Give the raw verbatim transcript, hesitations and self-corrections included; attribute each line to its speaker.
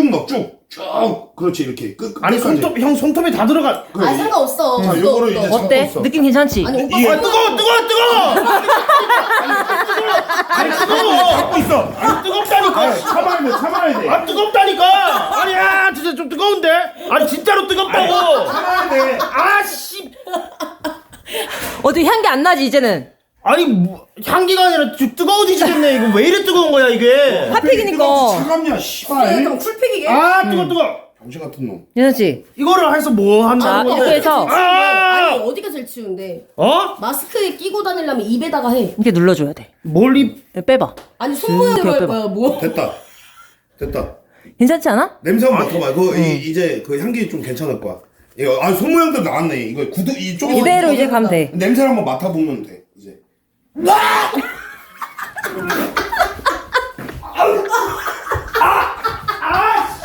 Speaker 1: 쭉 넣어 쭉. 쭉. 그렇지 이렇게 끝.
Speaker 2: 아니
Speaker 1: 끝까지.
Speaker 2: 손톱 형 손톱이 다 들어가.
Speaker 1: 그래,
Speaker 3: 아 상관없어.
Speaker 1: 자,
Speaker 3: 그거
Speaker 1: 요거를
Speaker 3: 없어.
Speaker 1: 이제
Speaker 4: 어때?
Speaker 1: 잡고
Speaker 4: 느낌 괜찮지?
Speaker 3: 아니 오빠
Speaker 1: 이게-
Speaker 2: 아 뜨거워 뜨거워 뜨거워. 아니 뜨거워.
Speaker 1: 잡고 있어.
Speaker 2: 아니 뜨겁다니까.
Speaker 1: 아, 참아야 돼 참아야 돼.
Speaker 2: 아 뜨겁다니까. 아니야 진짜 좀 뜨거운데. 아니 진짜로 뜨겁다고.
Speaker 1: 참아야 돼.
Speaker 2: 아씨.
Speaker 4: 어떻게 향기 안 나지 이제는?
Speaker 2: 아니 뭐, 향기가 아니라 좀 뜨거워지겠네. 이거 왜 이래 뜨거운 거야 이게?
Speaker 4: 핫팩이니까.
Speaker 1: 차갑냐
Speaker 3: 그래,
Speaker 1: 씨발.
Speaker 3: 그럼 쿨팩이게.
Speaker 2: 아 뜨거 뜨거.
Speaker 1: 병신 같은 놈.
Speaker 4: 괜찮지?
Speaker 2: 이거를 해서 뭐
Speaker 4: 자
Speaker 2: 한다는 건데?
Speaker 4: 이렇게 해서
Speaker 2: 아!
Speaker 3: 아니 어디가 제일 치운데?
Speaker 2: 어?
Speaker 3: 마스크에 끼고 다니려면 입에다가 해.
Speaker 4: 이렇게 눌러줘야 돼.
Speaker 2: 멀리
Speaker 4: 빼봐.
Speaker 3: 아니 손 모양으로 할
Speaker 4: 빼봐.
Speaker 3: 거야 뭐?
Speaker 1: 됐다. 됐다.
Speaker 4: 괜찮지 않아?
Speaker 1: 냄새 한번 맡아봐. 그거 이, 이제 그 향기 좀 괜찮을 거야. 이거 아 손모양도 나왔네. 이거 구두 이쪽
Speaker 4: 이대로 이제 가면 돼.
Speaker 1: 냄새를 한번 맡아보면 돼. 이제.